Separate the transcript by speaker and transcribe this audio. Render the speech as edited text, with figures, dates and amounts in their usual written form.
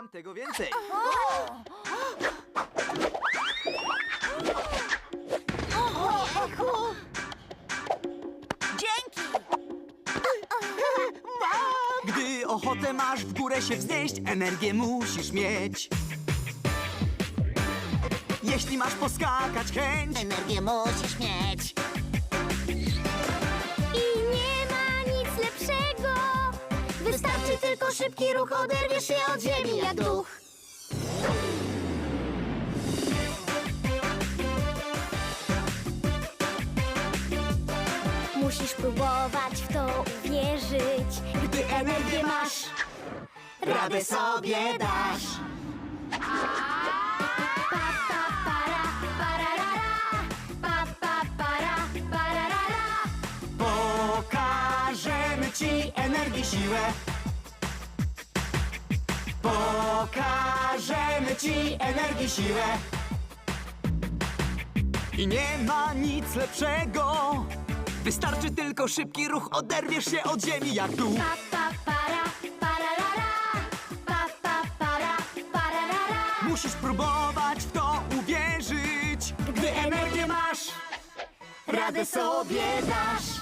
Speaker 1: Mam tego więcej.
Speaker 2: Dzięki!
Speaker 1: Gdy ochotę masz w górę się wznieść, energię musisz mieć. Jeśli masz poskakać chęć,
Speaker 2: Energię musisz mieć.
Speaker 3: I nie ma nic lepszego. Wystarczy tylko szybki ruch, oderwiesz się od ziemi jak duch. Musisz próbować w to uwierzyć.
Speaker 1: gdy energię masz, radę sobie dasz.
Speaker 3: Pa, pa, para, pararara. Pa, pa, para, pararara.
Speaker 1: Pokażemy ci energię, siłę. Pokażemy ci energię, siłę. I nie ma nic lepszego. Wystarczy tylko szybki ruch, oderwiesz się od ziemi jak duch.
Speaker 3: Pa, pa, para, pararara. Pa, pa, para, pararara.
Speaker 1: Musisz próbować w to uwierzyć. Gdy energię masz, radę sobie dasz.